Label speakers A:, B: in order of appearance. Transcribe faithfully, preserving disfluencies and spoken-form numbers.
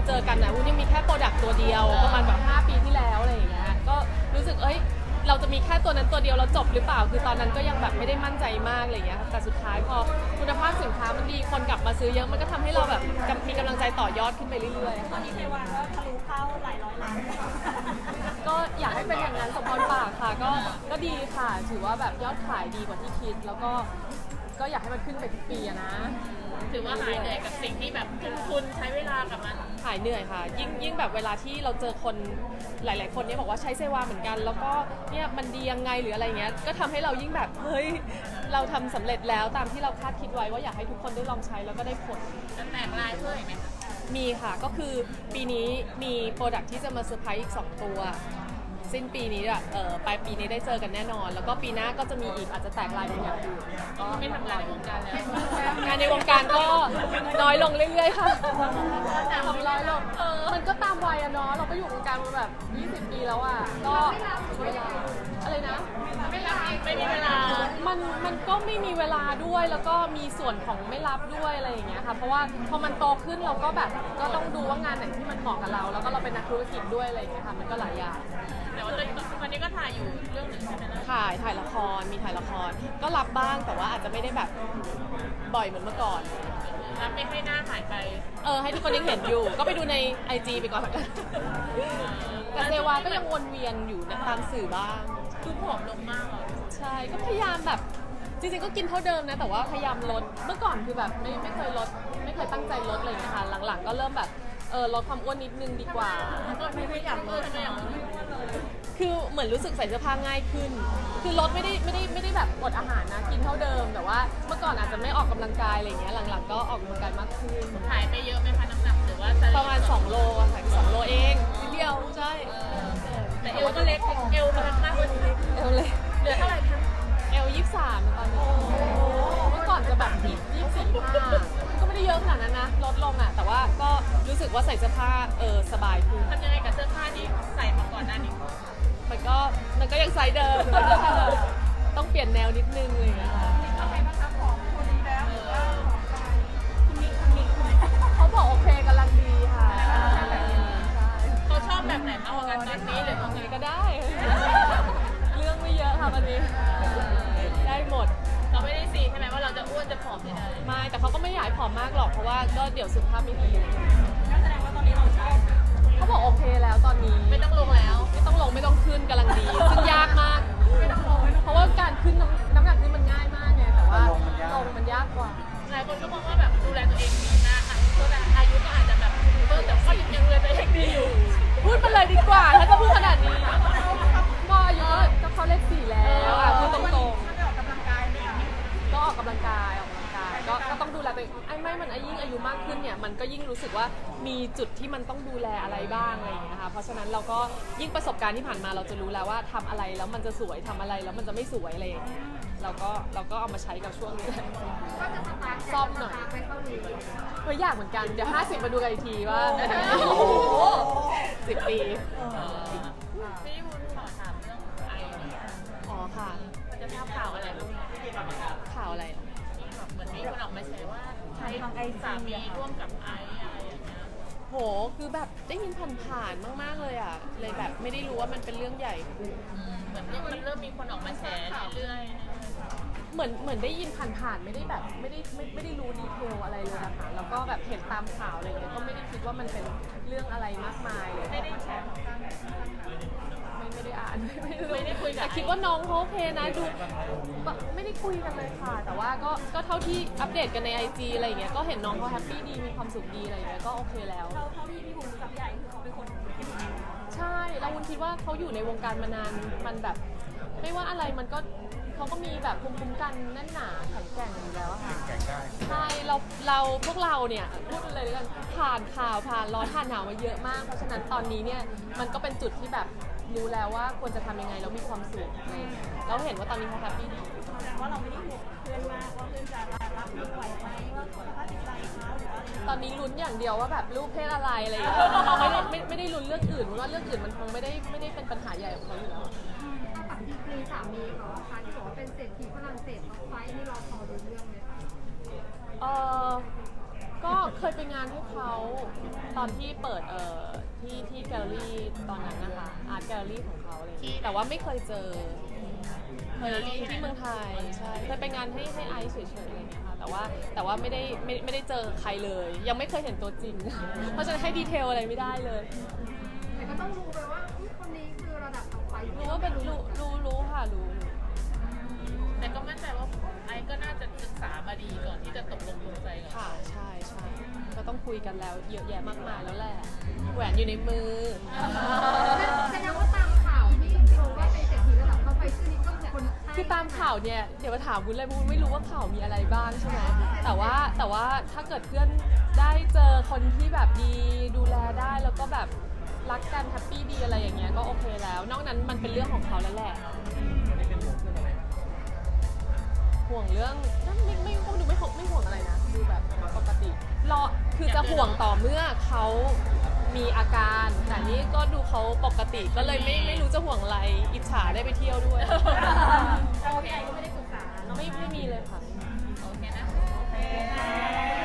A: เจอกันนะวุ้นยังมีแค่โปรดักต์ตัวเดียวประมาณแบบห้าปีที่แล้วอะไรอย่างเงี้ยก็รู้สึกเอ้ยเราจะมีแค่ตัวนั้นตัวเดียวเราจบหรือเปล่าคือตอนนั้นก็ยังแบบไม่ได้มั่นใจมากอะไรอย่างเงี้ยแต่สุดท้ายพอคุณภาพสินค้ามันดีคนกลับมาซื้อเยอะมันก็ทำให้เราแบบมีกำลังใจต่อยอดขึ้นไปเรื่อยๆ
B: ตอนนี้เทวาก็ทะลุเข้าหลายร้อยล้าน
A: ก็อยากให้เป็นอย่างนั้นสมพรปากค่ะก็ก็ดีค่ะถือว่าแบบยอดขายดีกว่าที่คิดแล้วก็ก็อยากให้มันขึ้นไปทุกปีอะนะ
C: ถือว่าหายเหนื่อยกับสิ่งที่แบบทุ่มทุนใช้เวลากับมัน
A: หายเหนื่อยค่ะยิ่งยิ่งแบบเวลาที่เราเจอคนหลาย ๆ คนเนี่ยบอกว่าใช้เซวาเหมือนกัน แล้วก็เนี่ยมันดียังไงหรืออะไรเงี้ยก็ทำให้เรายิ่งแบบเฮ้ยเราทำสำเร็จแล้วตามที่เราคาดคิดไว้ว่าอยากให้ทุกคนได้ลองใช้แล้วก็ได้ผล
C: จะแตกลายเพิ่มอีกไหมคะ
A: มีค่ะก็คือปีนี้มีโปรดักที่จะมาเซอร์ไพรส์อีกสองตัวสิ้นปีนี้อะเออปลายปีนี้ได้เจอกันแน่นอน แล้วก็ปีหน้าก็จะมีอีกอาจจะแตกลายเป็นอย่างอื่นก็
C: ไม่ทำงานในวงการแล้ว
A: งานในวงการก็น้อยลงเรื่อยๆค่ะทำน้อยลงเออมันก็ตามวัยอะเนาะเราก็อยู่วงการมาแบบยี่สิบปีแล้วอะก็เวลาอะไรนะ
C: ไม่รับเองไม่มีเวลา
A: มันมันก็ไม่มีเวลาด้วยแล้วก็มีส่วนของไม่รับด้วยอะไรอย่างเงี้ยค่ะเพราะว่าพอมันโตขึ้นเราก็แบบก็ต้องดูว่างานไหนที่มันเหมาะกับเราแล้วก็เราเป็นนักธุรกิจด้วยอะไรอย่างเงี้ยค่ะมันก็หลายอย่าง
C: แต่ว่าตอนนี้ก็ถ่ายอยู่เรื่องหนึ่งใช่ไหมล่ะ
A: ถ่ายถ่ายละครมีถ่ายละครก็รับบ้างแต่ว่าอาจจะไม่ได้แบบบ่อยเหมือนเมื่อก่อน
C: รับไม่ให้หน้าหายไป
A: เออให้ทุกคนยังเห็นอยู่ก็ไปดูใน ไอ จี ไปก่อนกันแต่เซวาก็ยังวนเวียนอยู่ตามสื่อบ้าง
C: คือผอมลงมากอ่ะ
A: ใช่ก็พยายามแบบจริงๆก็กินเท่าเดิมนะแต่ว่าพยายามลดเมื่อก่อนคือแบบไม่ไม่เคยลดไม่เคยตั้งใจลดอะไรอย่างเงี้ยค่ะหลังๆก็เริ่มแบบเออลดความอ้วนนิดนึงดีกว่า
C: ก็ไม่ได้อยากลดไม่อยากลด
A: คือเหมือนรู้สึกใส่เสื้อผ้าง่ายขึ้นคือลดไม่ได้ไม่ได้ไม่ได้แบบอดอาหารนะกินเท่าเดิมแต่ว่าเมื่อก่อนอาจจะไม่ออกกำลังกายอะไรอย่างเงี้ยหลังๆก็ออกกำลังกายมากขึ้น
C: หายไปเยอะไหมคะน้ำหนักหรือว่า
A: ประมาณสองโลค่ะสองโลเองนิดเดียวใช่
C: แต่เอวก็เล็กเอวมันมากกว่านี้
A: เอวเล็ก
C: เหลือเท่าไหร่คะ
A: เอวยี่สิบสามตอนนี้เมื่อก่อนจะแบบยี่สิบสี่ห้าก็ไม่ได้เยอะขนาดนั้นนะลดลงอ่ะแต่ว่าก็รู้สึกว่าใส่เสื้อผ้าเออสบายขึ้น
C: ทำยังไงกับเสื้อผ้าที่ใส่มาก่อนหน้านี้
A: มันก็มันก็ยังไซส์เดิมต้องเปลี่ยนแนวนิดนึงเลยนะคะเขาบอกโอเคกำลังดีค่ะ
C: เขาชอบแบบไหนมากกว่ากันตอนนี้หรือ
A: ยังไงก็ได้เรื่องไม่เยอะค่ะวันนี้ได้หมด
C: เราไม่ได้ซีใช่ไหมว่าเราจะอ้วนจะผอมยังไง
A: ไม่แต่เขาก็ไม่อยากผอมมากหรอกเพราะว่าก็เดี๋ยวสุขภาพไม่ดี
B: ก็แสดงว่าตอนนี้เราชอบ
A: เขาบอกโอเคแล้วตอนนี้
C: ไม่ต้องลงแล้ว
A: ไม่ต้องลงไม่ต้องขึ้นกำลังดีซึ่งยากมากเพราะว่าการขึ้นน้ำหนักขึ้นมันง่ายมากไงแต่ว่าลงมันยากกว่า
C: หลายคนก็มองว่าแบบดูแลตัวเองดีนะอ่ะตัวอายุก็อาจจะแบบเออแต่ก็ยังดูแลตัวเองดีอยู่
A: พูดไปเลยดีกว่าถ้าจะพูดขนาดนี้ก็อายุก็เขาเลขสี่แล้วอ่ะพูดตรงๆก็ออกกำลังกายออกกำลังกายก็ก็ต้องดูแลตัวเองไอ้ไม่มันยิ่งอายุมากขึ้นเนี่ยมันก็ยิ่งรู้สึกว่ามีจุดที่มันต้องดูแลอะไรบ้างอะไรอย่างเงี้ยค่ะเพราะฉะนั้นเราก็ยิ่งประสบการณ์ที่ผ่านมาเราจะรู้แล้วว่าทำอะไรแล้วมันจะสวยทำอะไรแล้วมันจะไม่สวยอะไรอย่างเงี้ยเราก็เราก็เอามาใช้กับช่วงนี้ซ่อมหน่อยก็อยากเหมือนกันเดี๋ยวห้าสิบมาดูกันอีกทีว่าสิบปี
C: พี่วุ้นขอถามเรื่องไอ
A: อ๋อค่ะ
C: จะทราบข่าวอะไรบ้าง
A: ข่าวอะไร
C: เหมือนมีคนออกมาแชร์ว่าใช้ไอสามีร่วมกับไออะไรอย่างเงี้ย
A: โหคือแบบได้ยินผ่านๆมากๆเลยอ่ะเลยแบบไม่ได้รู้ว่ามันเป็นเรื่องใหญ่
C: เหมือนมันเริ่มมีคนออกมาแชร์เรื่อย
A: ๆเหมือนเหมือนได้ยินผ่านๆไม่ได้แบบไม่ได้ไม่ไม่ได้รู้ดีเทลอะไรเลยนะคะแล้วก็แบบเห็นตามข่าวอะไรอย่างเงี้ยก็ไม่ได้คิดว่ามันเป็นเรื่องอะไรมากมายเลย
C: ไม่ได้แชร์
A: ไม่ไม่ได้อ่าน
C: ไม่ได้คุย
A: แต่คิดว่าน้องเขาโอเคนะดูไม่ได้คุยกันเลยค่ะแต่ว่าก็ก็เท่าที่อัปเดตกันใน ไอ จี อะไรอย่างเงี้ยก็เห็นน้องเขาแฮปปี้ดีมีความสุขดีอะไรอย่างเงี้ยก็โอเคแล้ว
B: เท่าที่พี่บุ๋มกับใหญ่คือเขาเป็นคน
A: ใช่เราวุ้นคิดว่าเขาอยู่ในวงการมานานมันแบบไม่ว่าอะไรมันก็เขาก็มีแบบภูมิคุ้มกันแน่นหนาแข็งแกร่งอยู่แล้วค่ะใช่เราเราพวกเราเนี่ยพูดเลยกันผ่านข่าวผ่านร้อนผ่านหนาวมาเยอะมากเพราะฉะนั้นตอนนี้เนี่ยมันก็เป็นจุดที่แบบรู้แล้วว่าควรจะทำยังไงแล้วมีความสุขแล้วเห็นว่าตอนนี้เขาแฮปปี้ดี
B: แสดงว่าเราไม่ได้ห่วงเพื่อนมากว่าเพื่อนจะรับมือไหวไหมว่าสภาพจิตใจเขาหรือว่า
A: ตอนนี้ลุ้นอย่างเดียวว่าแบบลูกเพศอะไรอะไรอย่างเงี้ยไม่ได้ไม่ไม่ได้ลุ้นเรื่องอื่นเพราะว่าเรื่องอื่นมันคงไม่ได้ไม่ได้เป็นปัญหาใหญ่ของเขาอยู่แล้ว
D: ฝั่งดีกรีสามีเขาค่ะที่บอกว่าเป็นเศรษฐีฝรั่งเศสท็อปไฟว์นี่เราพอรู้เรื่องไหมคะ
A: เออก็เคยไปงานให้เขาตอนที่เปิดเอ่อที่ที่แกลเลอรี่ตอนนั้นนะคะอาร์ตแกลเลอรี่ของเขาอะไรอย่างเลยแต่ว่าไม่เคยเจอเคยที่ที่เมืองไทยใช่เคยไปงานให้ให้ไอซ์เฉยๆอะไรอย่างเงี้ยค่ะแต่ว่าแต่ว่าไม่ได้ไม่ไม่ได้เจอใครเลย ยังไม่เคยเห็นตัวจริง เพราะฉะนั้นให้ดีเทลอะไรไม่ได้เลย
D: แต่ก็ต้องรู้ไปว่าอุ๊ยคนนี้คือระดับต่อไป
A: รู้ว่าเป็นรู้รู้รู้ค่ะรู้รู้
C: แต่ก็มั่นใจว่าไอ้ก็น่าจะศึกษามาดีก่อนที่จะตกลงปลงใจกับ
A: ค่ะใช่ใช่ก็ต้องคุยกันแล้วเยอะแยะมากมายแล้วแหละแหวนอยู่ในมือ
D: แสดงว่าตามข่าวที่รู้ว่าเป็นเศรษฐีระดับต่อไปชื่อนี้ก็คือคนใช่
A: คือตามข่าวเนี่ยเดี๋ยวมาถามวุ้นเลยวุ้นไม่รู้ว่าข่าวมีอะไรบ้างใช่ไหมแต่ว่าแต่ว่าถ้าเกิดเพื่อนได้เจอคนที่แบบดีดูแลได้แล้วก็แบบรักกันแฮปปี้ดีอะไรอย่างเงี้ยก็โอเคแล้ว นอกนั้นมันเป็นเรื่องของเขาแล้วแหละห่วงเรื่องนั่นไม่ไม่ไม่ดูไม่ห่วงไม่ห่วงอะไรนะดูแบบปกติรอคือจะห่วงต่อเมื่อเขามีอาการแต่นี่ก็ดูเขาปกติก็เลยไม่ไม่รู้จะห่วงอะไรอิจฉาได้ไปเที่ยวด้วย
B: เราพี่ไอก็ไม่ได้ปรึกษาเนาะ
A: ไม่ไม่มีเลยค่ะ
C: โอเคนะ
B: โอเค